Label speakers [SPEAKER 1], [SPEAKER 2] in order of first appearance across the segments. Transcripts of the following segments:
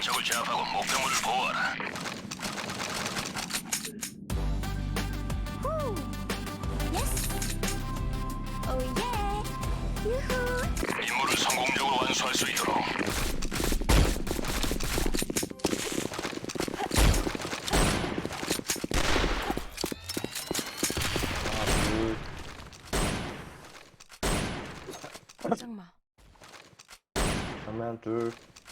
[SPEAKER 1] 적을 제압하고 목표물을 보호하라. 임무를 성공적으로 완수할 수 있도록.
[SPEAKER 2] 장마.
[SPEAKER 3] 정면 둘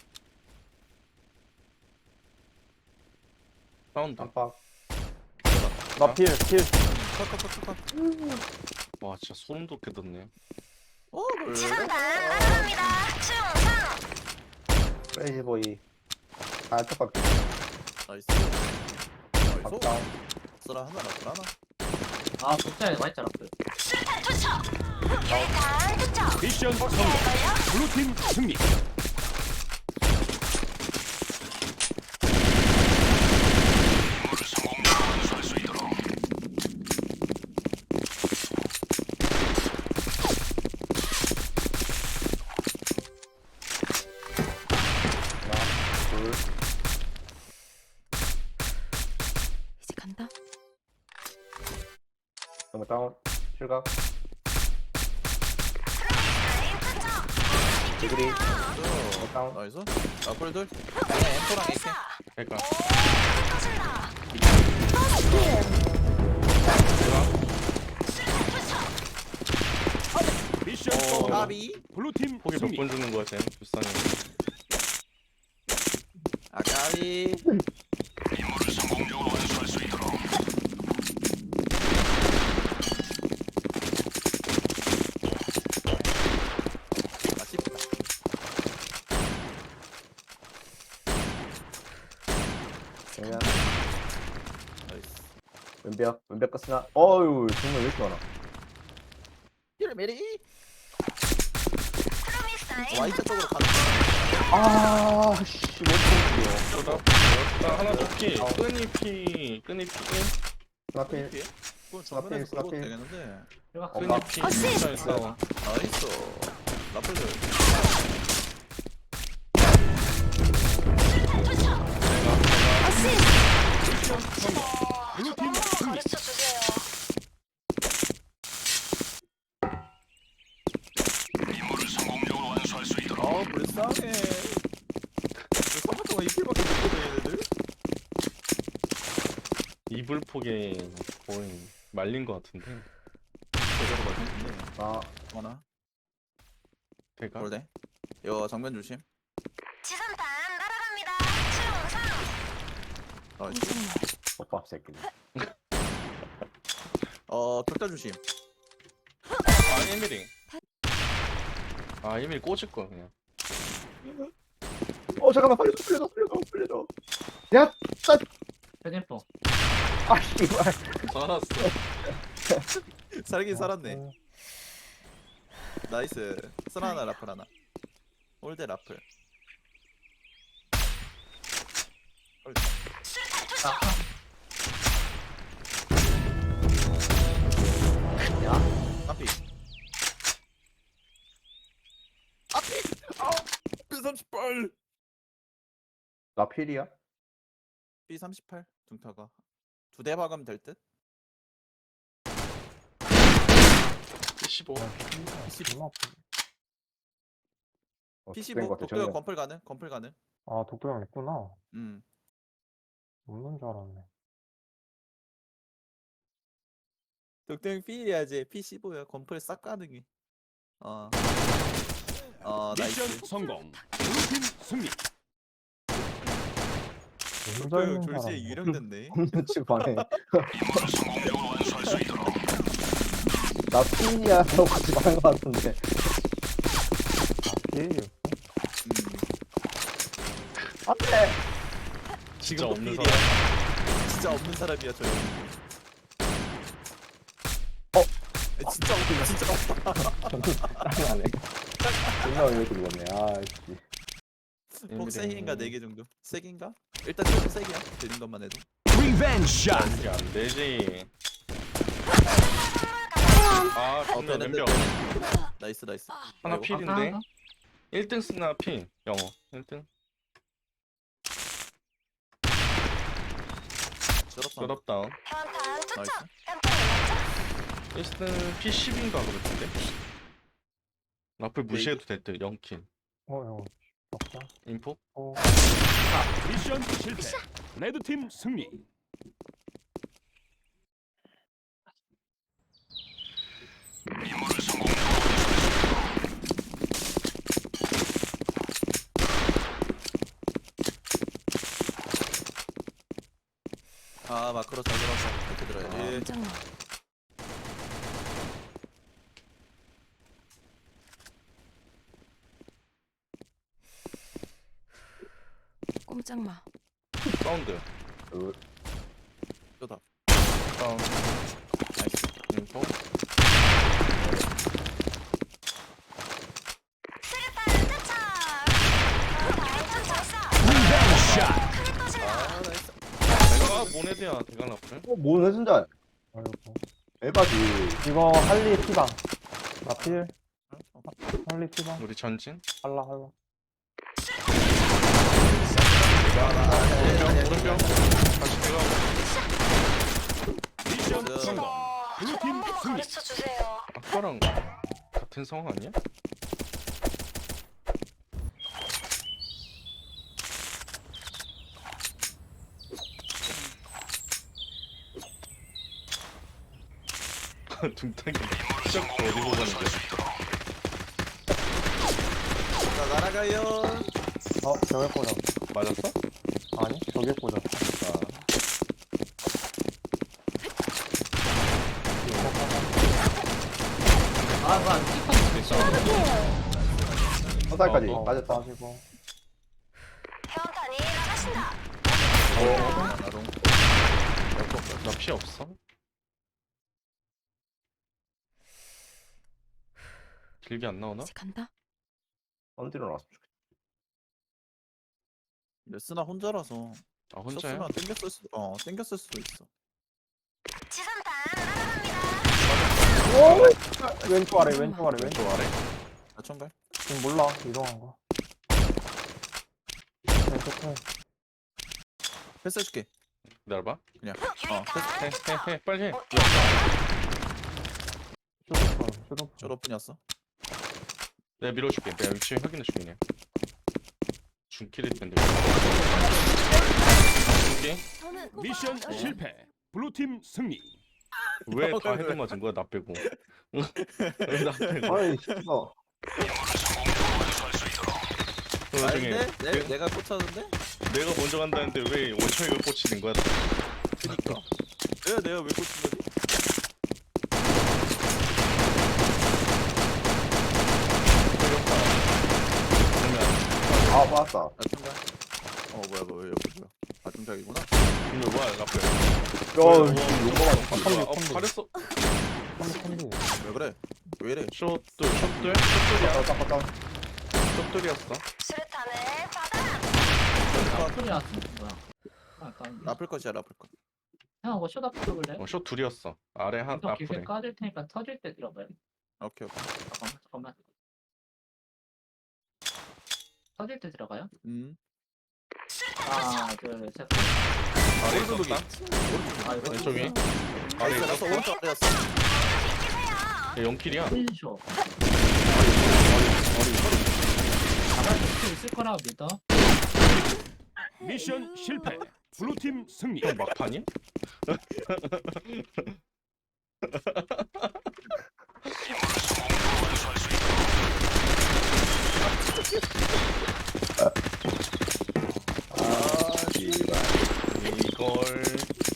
[SPEAKER 4] 사운드.
[SPEAKER 3] 깜빡 나필
[SPEAKER 5] 컷컷컷컷.
[SPEAKER 4] 와 진짜 소름 돋게
[SPEAKER 5] 그래.
[SPEAKER 2] 지상단 따라갑니다. 충성.
[SPEAKER 3] 크레이지보이 똑같게
[SPEAKER 5] 나이스.
[SPEAKER 3] 깜빡
[SPEAKER 5] 쓰라 하나 라플 하나.
[SPEAKER 6] 아 독자에 와있잖아.
[SPEAKER 2] 수류탄 투척. 유리탄 투척.
[SPEAKER 1] 미션 성공.
[SPEAKER 2] 걸려?
[SPEAKER 1] 블루팀 승리. 임무를 성공적으로 완수할 수 있도록.
[SPEAKER 3] 하나 둘
[SPEAKER 2] 이제 간다.
[SPEAKER 3] 정면 다운 실각 디그리 다운
[SPEAKER 5] 나이스. 라플들. 엠포랑 AK.
[SPEAKER 4] 그러니까
[SPEAKER 2] 터진다.
[SPEAKER 1] 미션
[SPEAKER 4] 어.
[SPEAKER 1] 성공.
[SPEAKER 5] 까비.
[SPEAKER 1] 블루팀
[SPEAKER 4] 폭이
[SPEAKER 1] 승리.
[SPEAKER 4] 몇 번 주는 거야 쟤? 불쌍해.
[SPEAKER 5] 까비.
[SPEAKER 1] 임무를 성공적으로 완수할 수 있도록.
[SPEAKER 5] 아쉽다.
[SPEAKER 3] 정면
[SPEAKER 5] 나이스.
[SPEAKER 3] 왼벽 끝이나 어유 정면 왜 이렇게 많아
[SPEAKER 5] 힐 메리.
[SPEAKER 2] 프로미사일.
[SPEAKER 5] Y자 쪽으로 가는.
[SPEAKER 3] 아씨 못
[SPEAKER 4] 나 하나 더 피. 끈이 피.
[SPEAKER 3] 나필
[SPEAKER 5] 피해? 그건 정면에서
[SPEAKER 3] 스나필,
[SPEAKER 5] 끌고
[SPEAKER 3] 스나필.
[SPEAKER 5] 되겠는데.
[SPEAKER 4] 끈이 피.
[SPEAKER 2] 어시스트.
[SPEAKER 4] 진짜 있어.
[SPEAKER 5] 나이스. 라플들.
[SPEAKER 2] 어시스트.
[SPEAKER 1] 블루팀 승리.
[SPEAKER 2] 가르쳐 주세요.
[SPEAKER 1] 임무를 성공적으로 완수할 수 있도록.
[SPEAKER 5] 아 불쌍해. 3분 동안 이길밖에 못 보네 얘네들.
[SPEAKER 4] 이불 폭에 거의 말린 거 같은데.
[SPEAKER 5] 제대로 말했네.
[SPEAKER 3] 아
[SPEAKER 5] 하나.
[SPEAKER 4] 대가.
[SPEAKER 5] 골대. 이거 정면 조심.
[SPEAKER 2] 지상단 날아갑니다. 충성.
[SPEAKER 5] 나이스.
[SPEAKER 3] 오빠 새끼들
[SPEAKER 5] 격자 조심.
[SPEAKER 4] 아 1mm. 아 1mm 꽂을 거야 그냥.
[SPEAKER 3] 잠깐만 살려줘 야
[SPEAKER 6] 패딩포.
[SPEAKER 3] 아 씨발
[SPEAKER 4] 살았어.
[SPEAKER 5] 살긴 살았네. 나이스. 쓰나 하나 라플 하나. 홀대 라플.
[SPEAKER 2] 수류탄 투척.
[SPEAKER 5] 앞이. 앞이. B38.
[SPEAKER 3] 나필이야
[SPEAKER 5] B38 둥타가 두 대 박으면 될 듯.
[SPEAKER 4] 15.
[SPEAKER 5] P15 독도형 건플 가능. 건플 가능.
[SPEAKER 3] 아 독도형 있구나 없는 줄 알았네
[SPEAKER 5] 독도형 P1이야지. P15야. 건플 싹 가능해.
[SPEAKER 1] 미션
[SPEAKER 5] 나이스.
[SPEAKER 1] 성공. 블루팀 승리.
[SPEAKER 5] 독도형 졸지에 유령됐네.
[SPEAKER 3] 없는 집 안에
[SPEAKER 1] 임무를 성공적으로 완수할 수 있도록.
[SPEAKER 3] 나 필이야 라고 같이 말한 것 같은데 필 안돼
[SPEAKER 4] 진짜 없는
[SPEAKER 5] 필이야.
[SPEAKER 4] 사람.
[SPEAKER 5] 진짜 없는 사람이야 저 형. 진짜 없다.
[SPEAKER 3] 짱이 안해 존나 왜 이렇게 죽었네 아씨
[SPEAKER 5] 폭 3개인가 4개 정도. 3개인가? 일단 조금 3개야. 들린 것만 해도.
[SPEAKER 1] 리벤지 샷.
[SPEAKER 4] 이게 안 되지. 아 존나
[SPEAKER 5] 되는데,
[SPEAKER 4] 왼벽.
[SPEAKER 5] 되는데. 나이스.
[SPEAKER 4] 하나
[SPEAKER 5] 아이고.
[SPEAKER 4] 필인데. 1등 쓰나 필. 영어. 1등.
[SPEAKER 5] 쩔었다.
[SPEAKER 4] 셋업다운.
[SPEAKER 2] 현탄 투척.
[SPEAKER 5] 나이스.
[SPEAKER 2] 깜빡이
[SPEAKER 4] 에스는 P10인가 그랬는데. 라플 무시해도 됐대. 0킬.
[SPEAKER 3] 형. 먹자.
[SPEAKER 4] 인포?
[SPEAKER 1] 미션 실패. 레드팀 승리. 임무를 성공적으로
[SPEAKER 5] 아 마크로 잘 들어왔어. 이렇게 들어야지.
[SPEAKER 2] 깜짝마. 꼼짝마.
[SPEAKER 4] 사운드.
[SPEAKER 5] 쩌다.
[SPEAKER 4] 사운드.
[SPEAKER 5] 나이스.
[SPEAKER 4] 인포.
[SPEAKER 2] 수류탄 투척. 현탄 발사.
[SPEAKER 1] 샷.
[SPEAKER 2] 크게 터진다.
[SPEAKER 5] 아 나이스.
[SPEAKER 4] 내가 모네드야 대강 라플.
[SPEAKER 3] 뭐 해준자. 아이고. 에바지. 이거 할리 피방. 나필. 할리 피방.
[SPEAKER 4] 우리 전진.
[SPEAKER 3] 할라.
[SPEAKER 4] 오른병. 다시 내가.
[SPEAKER 1] 미션 성공. 블루팀 승리.
[SPEAKER 2] 가르쳐 주세요.
[SPEAKER 4] 아까랑 같은 상황 아니야? 둥탕이 쫙 어디로 가는데?
[SPEAKER 5] 자 날아가요.
[SPEAKER 3] 저격 꽂았.
[SPEAKER 4] 맞았어?
[SPEAKER 3] 아니, 저격 꽂았어.
[SPEAKER 6] 아 뭐야
[SPEAKER 3] 화살까지
[SPEAKER 4] 어.
[SPEAKER 3] 맞았다. 하시고.
[SPEAKER 2] 현탄이 나가신다.
[SPEAKER 5] 나롱.
[SPEAKER 4] 나 피 없어? 길게 안 나오나?
[SPEAKER 2] 이제 간다.
[SPEAKER 3] 언디로 나왔으면 좋겠다.
[SPEAKER 5] 레스나 혼자라서.
[SPEAKER 4] 아 혼자야?
[SPEAKER 5] 썼으면 땡겼을 수도 있어.
[SPEAKER 2] 지선탄 날아갑니다.
[SPEAKER 3] 왼쪽 아래.
[SPEAKER 4] 왼쪽 아래?
[SPEAKER 5] 나천갈.
[SPEAKER 3] 지금 몰라. 이동한 거. 왼쪽 편.
[SPEAKER 5] 패스해줄게.
[SPEAKER 4] 기다려봐.
[SPEAKER 5] 그냥.
[SPEAKER 2] 유리탄
[SPEAKER 4] 해 빨리 해.
[SPEAKER 3] 슈도폰.
[SPEAKER 5] 졸업뿐이었어.
[SPEAKER 4] 내가 밀어줄게. 내가 위치 확인해줄게 그냥. 중킬일 텐데. 중킬?
[SPEAKER 1] 미션 실패. 블루팀 승리.
[SPEAKER 4] 왜 다 헤드 맞은 거야 나 빼고? 왜 나 빼고?
[SPEAKER 3] 아이, 씨발.
[SPEAKER 4] 그 와중에
[SPEAKER 5] 아닌데? 내가 꽂혔는데?
[SPEAKER 4] 내가 먼저 간다는데 왜 원청이가 꽂히는 거야?
[SPEAKER 5] 그니까. 내가 왜 꽂힌 거지?
[SPEAKER 3] 아, 맞았다.
[SPEAKER 5] 나천갈. 뭐야. 아중작이구나.
[SPEAKER 4] 이거 뭐야 라플?
[SPEAKER 3] 용거가
[SPEAKER 4] 잘했어.
[SPEAKER 5] 왜 그래? 왜 이래?
[SPEAKER 4] 숏돌이야?
[SPEAKER 3] 깜깜깜.
[SPEAKER 4] 숏돌이었어.
[SPEAKER 2] 수류탄을 받아라.
[SPEAKER 6] 소리 나왔어 뭐야 아까
[SPEAKER 5] 라플 것이야 라플 것.
[SPEAKER 6] 형 이거 쇼다 풀어볼래?
[SPEAKER 4] 숏 둘이었어. 아래 한
[SPEAKER 6] 더 길게
[SPEAKER 4] 앞으로.
[SPEAKER 6] 까줄 테니까 터질 때 들어봐요
[SPEAKER 5] 오케이.
[SPEAKER 6] 잠깐만 터질 때 들어가요? 하나 둘셋
[SPEAKER 4] 아래 있었다.
[SPEAKER 6] 아 이거
[SPEAKER 4] 왼쪽이. 아래
[SPEAKER 5] 나이스.
[SPEAKER 4] 있었어.
[SPEAKER 5] 오른쪽 아래였어.
[SPEAKER 2] 비키세요.
[SPEAKER 4] 0킬이야.
[SPEAKER 6] 힐쇼 가만히 있을 수 있을 거라고 믿어
[SPEAKER 1] 미션 실패. 블루팀 승리.
[SPEAKER 4] 형 막판이야? 이걸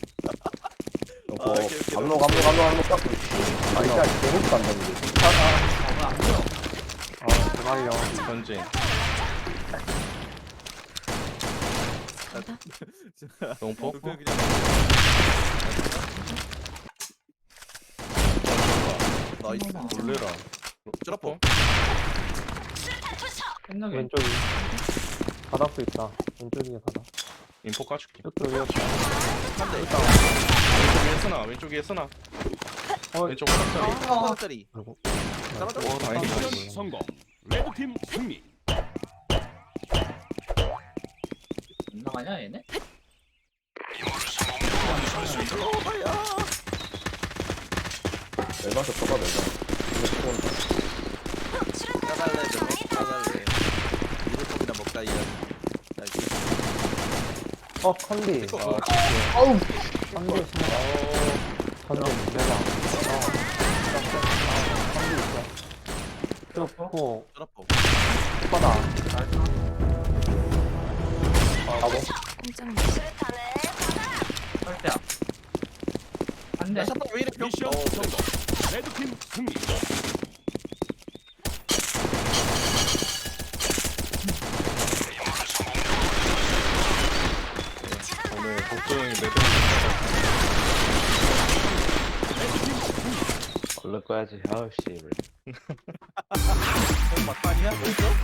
[SPEAKER 3] 감로 딱. 아, 진짜 개못 간다는데.
[SPEAKER 6] 뭐야 안 보여
[SPEAKER 3] 대박이야.
[SPEAKER 4] 전진. 영포?
[SPEAKER 5] 그냥 나이스.
[SPEAKER 4] 놀래라.
[SPEAKER 5] 쩌라포.
[SPEAKER 6] 생각에
[SPEAKER 3] 왼쪽이. 바닥도 있다. 왼쪽이 바닥.
[SPEAKER 4] 인포 까줄게.
[SPEAKER 3] 이쪽이요.
[SPEAKER 4] 왼쪽에 쓰나.
[SPEAKER 3] 어,
[SPEAKER 4] 왼쪽 화살이.
[SPEAKER 5] 하나짜리.
[SPEAKER 3] 그리고.
[SPEAKER 5] 떨어져.
[SPEAKER 4] 다행이다.
[SPEAKER 1] 미션 성공. 레드팀 승리.
[SPEAKER 6] 안 나가냐 얘네?
[SPEAKER 1] 임무를 성공적으로 완수할
[SPEAKER 5] 들어와야.
[SPEAKER 3] 멸망도 떠봐 멸망. 이거 들어온다.
[SPEAKER 5] 까갈래 저거 까갈래. 이불법이나 먹다 이거. 나 이거
[SPEAKER 3] 컨디.
[SPEAKER 4] 아,
[SPEAKER 3] 어우. 컨디 스나. 컨디 멸망. 컨디 있어. 쭉
[SPEAKER 5] 떨어보.
[SPEAKER 3] 바다. 가보.
[SPEAKER 2] 수류탄을 받아라.
[SPEAKER 6] 설대야. 안 돼.
[SPEAKER 5] 야 샷발 왜 이래 병?
[SPEAKER 1] 미션 성공. 레드팀 승리.
[SPEAKER 4] 오늘 복도형이 매듭.
[SPEAKER 3] 얼른 꺼야지. 아우 씨.
[SPEAKER 5] 형 막판이야? 벌써?